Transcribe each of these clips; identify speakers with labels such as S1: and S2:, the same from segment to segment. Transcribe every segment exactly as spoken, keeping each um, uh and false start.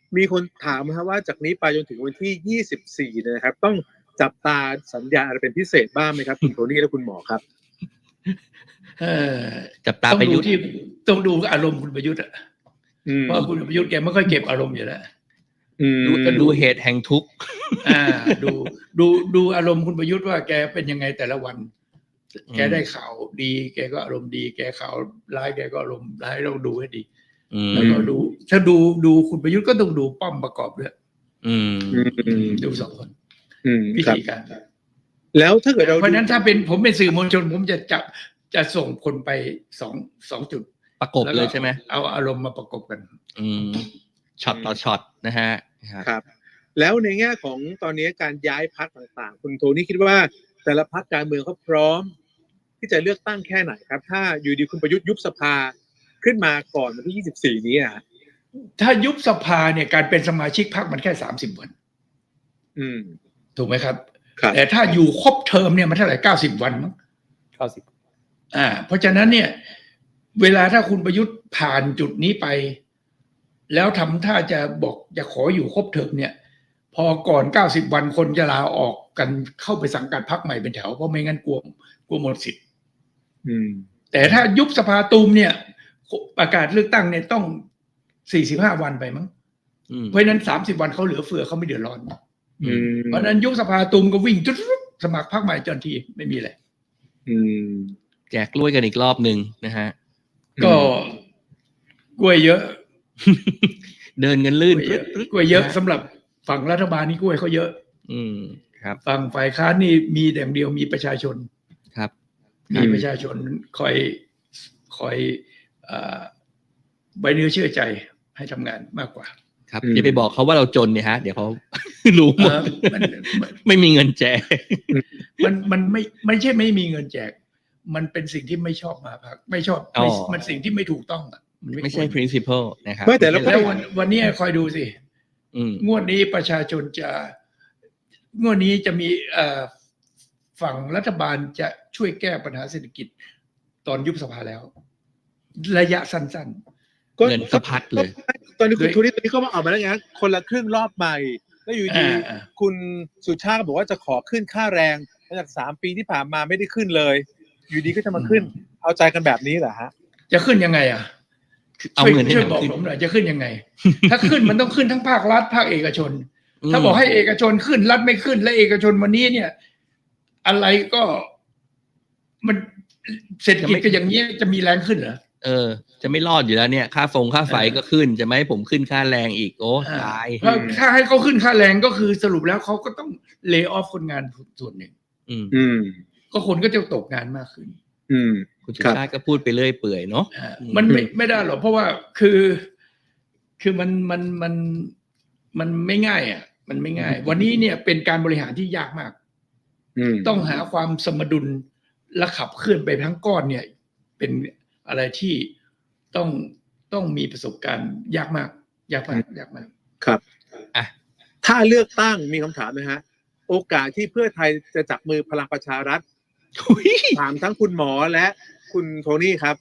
S1: มีคนถามนะครับว่าจากนี้ไปจนถึงวันที่ยี่สิบสี่นะครับต้องจับตาสัญญาอะไรเป็นพิเศษบ้างไหมครับคุณโทนี่และคุณหมอครับ
S2: เออ
S3: จับตาประยุทธ์
S2: ที่ต้องดูอารมณ์คุณประยุทธ์อ่ะเพราะคุณประยุทธ์แกไม่ค่อยเก็บอารมณ์อยู่แล้ว
S3: ดูดูเหตุแห่งทุกข์
S2: อ่าดูดูดูอารมณ์คุณประยุทธ์ว่าแกเป็นยังไงแต่ละวันแกได้ข่าวดีแกก็อารมณ์ดีแกข่าวร้ายแกก็อารมณ์ร้ายเราดูให้ดีแล้วก็ดูถ้าดูดูคุณประยุทธ์ก็ต้องดูป้อมประกอบด้วยดูสองคนวิธีการ
S1: แล้วถ้าเกิดเรา
S2: เพราะนั้นถ้าเป็นผมเป็นสื่อมวลชนผมจะจับจะส่งคนไปสองสองจุด
S3: ประกบเลยใช่ไหม
S2: เอาอารมณ์มาประกบกัน
S3: อืมช็อตต่อช็อตนะฮะ
S1: ครับแล้วในแง่ของตอนนี้การย้ายพรรคต่างๆคุณโทนี่คิดว่าแต่ละพรรคการเมืองเขาพร้อมที่จะเลือกตั้งแค่ไหนครับถ้าอยู่ดีคุณประยุทธ์ยุบสภาขึ้นมาก่อนวันที่ยี่สิบสี่นี้อ่ะ
S2: ถ้ายุบสภาเนี่ยการเป็นสมาชิกพรรคมันแค่สามสิบวัน
S1: อืม
S2: ถูกไหมครับแต่ถ้าอยู่ครบเทอมเนี่ยมันเท่าไหร่เก้าสิบวันมั้ง
S1: เก้าสิบ
S2: อ่าเพราะฉะนั้นเนี่ยเวลาถ้าคุณประยุทธ์ผ่านจุดนี้ไปแล้วทำท่าจะบอกจะขออยู่ครบเทอมเนี่ยพอก่อนเก้าสิบวันคนจะลาออกกันเข้าไปสังกัดพรรคใหม่เป็นแถวเพราะไม่งั้นกลัวกลัวหมดสิทธิ์แต่ถ้ายุบสภาตูมเนี่ยประกาศเลือกตั้งเนี่ยต้องสี่สิบห้าวันไปมั้งเพราะฉะนั้นสามสิบวันเขาเหลือเฟือเขาไม่เดือดร้อนเพราะฉะนั้นยุบสภาตูมก็วิ่งจุดสมัครพรรคใหม่จนทีไม่มีอะไร
S3: แจกกล้วยกันอีกรอบนึงนะฮะ
S2: ก็กล้วยเยอะ
S3: เดินกันลื่น
S2: กล้วยเยอะสำหรับฝั่งรัฐบาลนี่กล้วยเขาเยอะ
S3: อืมครับ
S2: ฝั่งฝ่ายค้านนี่มีแต่เดียวมีประชาชน
S3: ครับ
S2: มีประชาชนคอยคอยไว้เนื้อเชื่อใจให้ทำงานมากกว่า
S3: ครับอย่าไปบอกเขาว่าเราจนเนี่ยฮะเดี๋ยวเขารู้หมดไม่มีเงินแจก
S2: มันมันไม่ไม่ใช่ไม่มีเงินแจกมันเป็นสิ่งที่ไม่ชอบมาพักไม่ชอบมันสิ่งที่ไม่ถูกต้องอ่ะ
S3: มันไม่ใช่ principle นะครับ
S2: ไม่แต่แล้ววันวันนี้คอยดูสิงวดนี้ประชาชนจะงวดนี้จะมีฝั่งรัฐบาลจะช่วยแก้ปัญหาเศรษฐกิจตอนยุบสภาแล้วระยะสั้น
S3: ๆเงินสะพัดเลย
S1: ตอนนี้คุณทูนี่ตอนนี้เขามาออกมาแล้วไงคนละครึ่งรอบใหม่แล้วอยู่ดีคุณสุชาติบอกว่าจะขอขึ้นค่าแรงหลังจากสามปีที่ผ่านมาไม่ได้ขึ้นเลยอยู่ดีก็จะมาขึ้นเอาใจกันแบบนี้เหรอฮะ
S2: จะขึ้นยังไงอ่ะ
S3: เอาเงินให้
S2: บอกผมหน่อยจะขึ้นยังไงถ้าขึ้นมันต้องขึ้นทั้งภาครัฐภาคเอกชนถ้าบอกให้เอกชนขึ้นรัฐไม่ขึ้นและเอกชนวันนี้เนี่ยอะไรก็มันเศรษฐกิจก็อย่างนี้จะมีแรงขึ้นเหรอ
S3: เออจะไม่รอดอยู่แล้วเนี่ยค่าฟงค่าไฟก็ขึ้นจะไม่ให้ผมขึ้นค่าแรงอีกโอ้ตาย
S2: ถ้าให้เขาขึ้นค่าแรงก็คือสรุปแล้วเขาก็ต้องเลย์ออฟคนงานส่วนหนึ่ง
S1: อืม
S2: ก็คนก็จะตกงานมากขึ้น
S1: อืม
S3: คุณสุชาติก็พูดไปเรื่อยเปื่อยเนาะ
S2: มันไม่ไม่ได้หรอกเพราะว่าคือคือมันมันมันมันไม่ง่ายอ่ะมันไม่ง่ายวันนี้เนี่ยเป็นการบริหารที่ยากมากต้องหาความสมดุลและขับเคลื่อนไปทั้งก้อนเนี่ยเป็นอะไรที่ต้องต้องมีประสบการณ์ยากมากยากมากยากมาก
S1: ครับอ่ะถ้าเลือกตั้งมีคำถามนะฮะโอกาสที่เพื่อไทยจะจับมือพลังประชารัฐถามทั้งคุณหมอและคุณโทนี่ครับ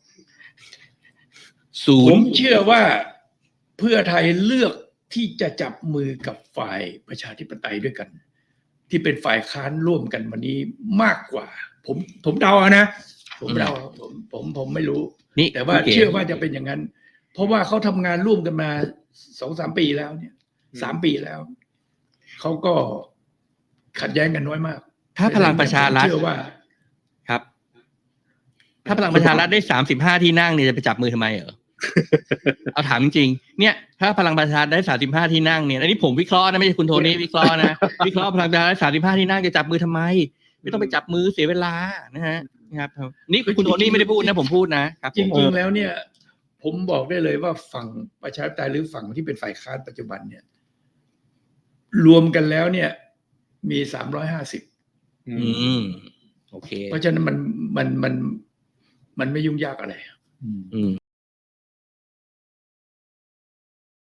S2: ศูนย์ผมเชื่อว่าเพื่อไทยเลือกที่จะจับมือกับฝ่ายประชาธิปไตยด้วยกันที่เป็นฝ่ายค้านร่วมกันวันนี้มากกว่าผมผมเดานะผมเดาผมผมผมไม่รู้แต่ว่าเชื่อว่าจะเป็นอย่างนั้นเพราะว่าเขาทำงานร่วมกันมาสองสามปีแล้วเนี่ยสามปีแล้วเขาก็ขัดแย้งกันน้อยมาก
S3: ถ้าพลังประชารัฐ
S2: เชื่อว่า
S3: ครับถ้าพลังประชารัฐได้สามสิบห้าที่นั่งเนี่ยจะไปจับมือทำไมเหรอเอาถามจริงๆเนี่ยถ้าพลังประชารัฐได้สามสิบห้าที่นั่งเนี่ยอันนี้ผมวิเคราะห์นะไม่ใช่คุณโทนี่วิเคราะห์นะวิเคราะห์พลังประชารัฐสามสิบห้าที่นั่งจะจับมือทำไมไม่ต้องไปจับมือเสียเวลานะฮะครับนี่คุณโทนี่ไม่ได้พูดนะผมพูดนะครับ
S2: จริงๆแล้วเนี่ยผมบอกได้เลยว่าฝั่งประชาธิปไตยหรือฝั่งที่เป็นฝ่ายค้านปัจจุบันเนี่ยรวมกันแล้วเนี่ยมีสามร้อยห้าสิบ
S3: อืมโอเค
S2: เพราะฉะนั้นมันมันมันมันไม่ยุ่งยากอะไรอืม